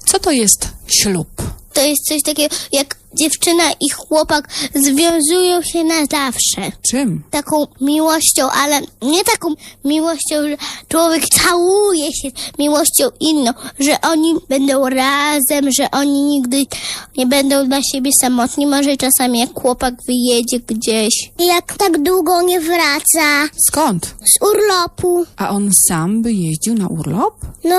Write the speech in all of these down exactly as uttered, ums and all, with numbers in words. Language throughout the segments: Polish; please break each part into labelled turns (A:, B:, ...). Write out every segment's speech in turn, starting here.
A: Co to jest ślub?
B: To jest coś takiego, jak dziewczyna i chłopak związują się na zawsze.
A: Czym?
B: Taką miłością, ale nie taką miłością, że człowiek całuje się miłością inną, że oni będą razem, że oni nigdy nie będą dla siebie samotni. Może czasami jak chłopak wyjedzie gdzieś. Jak tak długo nie wraca
A: Skąd?
B: z urlopu.
A: A on sam by jeździł na urlop?
B: No,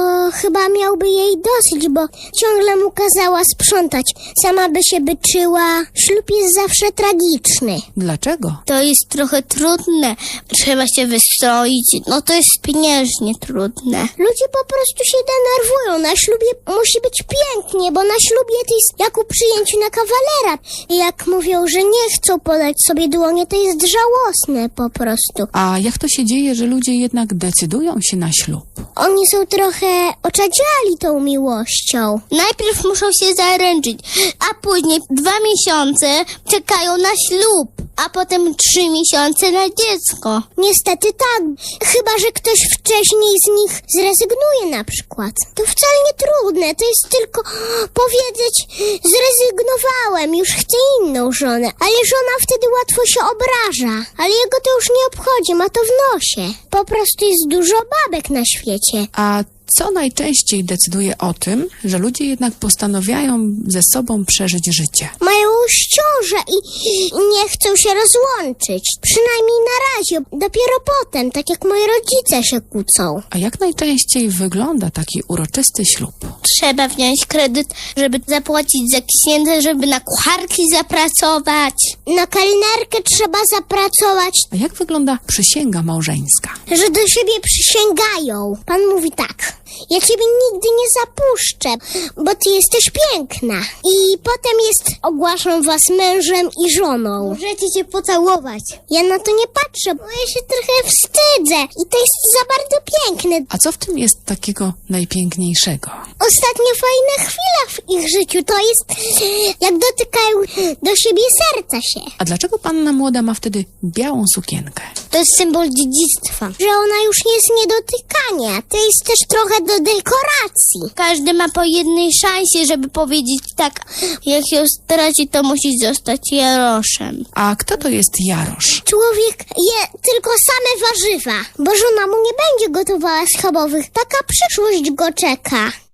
B: chyba miałby jej dosyć, bo ciągle mu kazała sprzątać. Sama by się byczyła. Ślub jest zawsze tragiczny.
A: Dlaczego?
B: To jest trochę trudne. Trzeba się wystroić. No to jest pieniężnie trudne. Ludzie po prostu się denerwują. Na ślubie musi być pięknie, bo na ślubie to jest jak u przyjęciu na kawalera. I jak mówią, że nie chcą podać sobie dłonie, to jest żałosne po prostu.
A: A jak to się dzieje, że ludzie jednak decydują się na ślub?
B: Oni są trochę oczadziali tą miłością. Najpierw muszą się zaręczyć, a później dwa miesiące czekają na ślub, a potem trzy miesiące na dziecko. Niestety tak, chyba że ktoś wcześniej z nich zrezygnuje na przykład. To wcale nie trudne, to jest tylko powiedzieć: zrezygnowałem, już chcę inną żonę. Ale żona wtedy łatwo się obraża, ale jego to już nie obchodzi, ma to w nosie. Po prostu jest dużo babek na świecie.
A: A co najczęściej decyduje o tym, że ludzie jednak postanawiają ze sobą przeżyć życie?
B: Mają już ciążę i nie chcą się rozłączyć. Przynajmniej na razie. Dopiero potem, tak jak moi rodzice się kłócą.
A: A jak najczęściej wygląda taki uroczysty ślub?
B: Trzeba wziąć kredyt, żeby zapłacić za księdza, żeby na kucharki zapracować. Na kelnerkę trzeba zapracować.
A: A jak wygląda przysięga małżeńska?
B: Że do siebie przysięgają. Pan mówi tak: ja ciebie nigdy nie zapuszczę, bo ty jesteś piękna. I potem jest: ogłaszam was mężem i żoną. Możecie się pocałować. Ja na to nie patrzę, bo ja się trochę wstydzę. I to jest za bardzo piękne.
A: A co w tym jest takiego najpiękniejszego?
B: Ostatnio fajna chwila w ich życiu to jest, jak dotykają do siebie serca się.
A: A dlaczego panna młoda ma wtedy białą sukienkę?
B: To jest symbol dziedzictwa. Że ona już nie jest niedotykania. To jest też trochę do dekoracji. Każdy ma po jednej szansie, żeby powiedzieć tak: jak ją straci, to musi zostać Jaroszem.
A: A kto to jest Jarosz?
B: Człowiek je tylko same warzywa, bo żona mu nie będzie gotowała schabowych. Taka przyszłość go czeka.